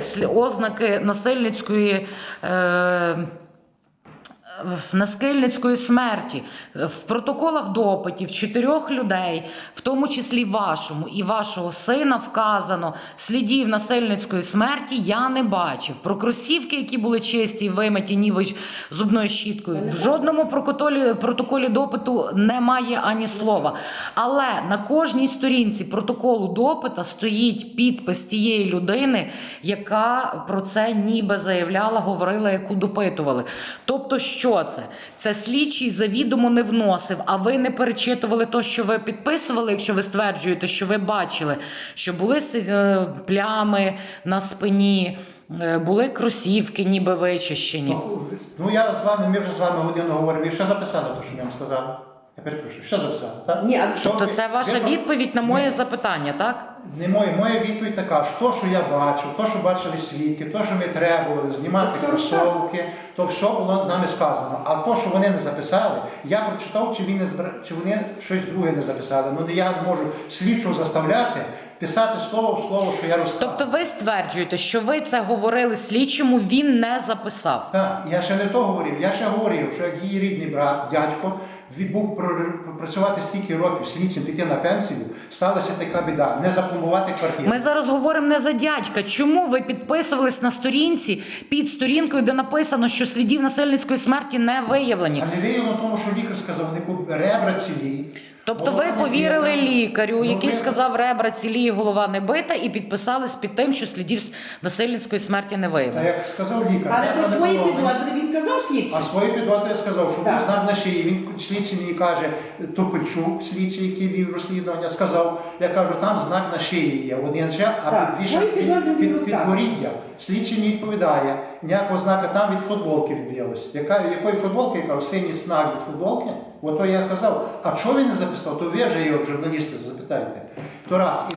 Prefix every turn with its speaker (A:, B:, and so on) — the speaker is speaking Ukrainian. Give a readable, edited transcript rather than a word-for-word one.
A: ознаки насильницької смерті. В протоколах допитів 4 людей, в тому числі вашому і вашого сина, вказано, слідів насильницької смерті я не бачив. Про кросівки, які були чисті і вимиті ніби зубною щіткою, в жодному протоколі допиту немає ані слова. Але на кожній сторінці протоколу допита стоїть підпис тієї людини, яка про це ніби заявляла, говорила, яку допитували. Тобто, що це? Це слідчий завідомо не вносив, а ви не перечитували те, що ви підписували, якщо ви стверджуєте, що ви бачили, що були плями на спині, були кросівки ніби вичищені.
B: Ну, ми вже з вами годину говоримо, ви що записали, те, що я вам сказав? Я перепрошую, що записали, так?
A: Ні, тобто це ваша відповідь на моє запитання, так?
B: Не моя відповідь така, що я бачив, то, що бачили свідки, то, що ми требували знімати кросовки, то все було нами сказано. А то, що вони не записали, я прочитав, чи вони щось друге не записали. Ну, я не можу слідчого заставляти писати слово в слово, що я розказав.
A: Тобто ви стверджуєте, що ви це говорили слідчому, він не записав?
B: Так, я ще не то говорив. Я ще говорив, що як її рідний брат, дядько, був працювати стільки років слідчим, піти на пенсію, сталася така біда, не запломбувати квартиру.
A: Ми зараз говоримо не за дядька. Чому ви підписувались на сторінці під сторінкою, де написано, що слідів насильницької смерті не виявлені?
B: А не виявлено тому, що лікар сказав, ребра цілі.
A: Тобто ви повірили лікарю, який сказав, ребра цілі, голова не бита, і підписались під тим, що слідів насильницької смерті не
B: А
A: виявлено.
B: як сказав лікар,
C: Але про свої підозри він казав слідчий?
B: А свої підозри я сказав, що був знак на шиї. Він слідчий мені каже, Топильчук, слідчий, який вів розслідування, сказав, я кажу, там знак на шиї є, один ще, а підборіддя. Слідчий мені відповідає, ніякого знака там від футболки відбилось. Якої футболки? Я кажу, синій знак від футболки. Ото я казав, а чого він не записав, то ви вже його, журналісти, запитайте. То раз.